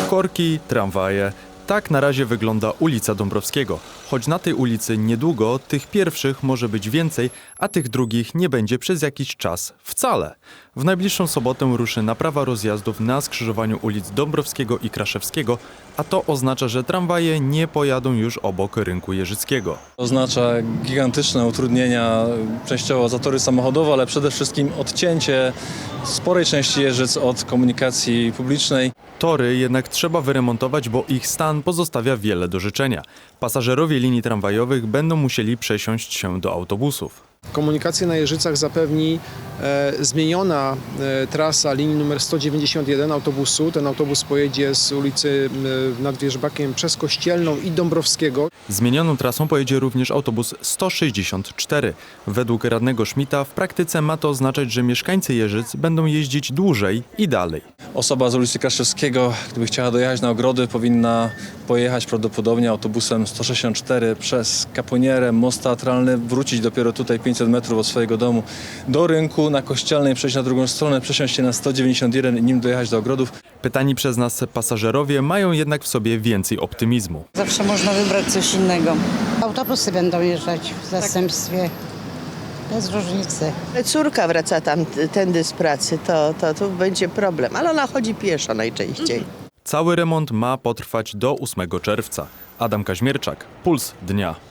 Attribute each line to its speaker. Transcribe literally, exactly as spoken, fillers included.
Speaker 1: Korki, tramwaje. Tak na razie wygląda ulica Dąbrowskiego. Choć na tej ulicy niedługo tych pierwszych może być więcej, a tych drugich nie będzie przez jakiś czas wcale. W najbliższą sobotę ruszy naprawa rozjazdów na skrzyżowaniu ulic Dąbrowskiego i Kraszewskiego, a to oznacza, że tramwaje nie pojadą już obok rynku Jeżyckiego.
Speaker 2: Oznacza gigantyczne utrudnienia, częściowo zatory samochodowe, ale przede wszystkim odcięcie sporej części Jeżyc od komunikacji publicznej.
Speaker 1: Tory jednak trzeba wyremontować, bo ich stan pozostawia wiele do życzenia. Pasażerowie linii tramwajowych będą musieli przesiąść się do autobusów.
Speaker 3: Komunikację na Jeżycach zapewni e, zmieniona e, trasa linii numer sto dziewięćdziesiąt jeden autobusu. Ten autobus pojedzie z ulicy e, nad Wierzbakiem przez Kościelną i Dąbrowskiego.
Speaker 1: Zmienioną trasą pojedzie również autobus sto sześćdziesiąt cztery. Według radnego Szmita w praktyce ma to oznaczać, że mieszkańcy Jeżyc będą jeździć dłużej i dalej.
Speaker 2: Osoba z ulicy Kraszewskiego, gdyby chciała dojechać na Ogrody, powinna pojechać prawdopodobnie autobusem sto sześćdziesiąt cztery przez Kapłonierę, Most Teatralny, wrócić dopiero tutaj pięćset metrów od swojego domu do rynku, na Kościelnej przejść na drugą stronę, przesiąść się na sto dziewięćdziesiąt jeden i nim dojechać do Ogrodów.
Speaker 1: Pytani przez nas pasażerowie mają jednak w sobie więcej optymizmu.
Speaker 4: Zawsze można wybrać coś innego.
Speaker 5: Autobusy będą jeżdżać w zastępstwie. Bez różnicy.
Speaker 6: Córka wraca tam tędy z pracy, to, to tu będzie problem, ale ona chodzi pieszo najczęściej.
Speaker 1: Cały remont ma potrwać do ósmego czerwca. Adam Kaźmierczak, Puls Dnia.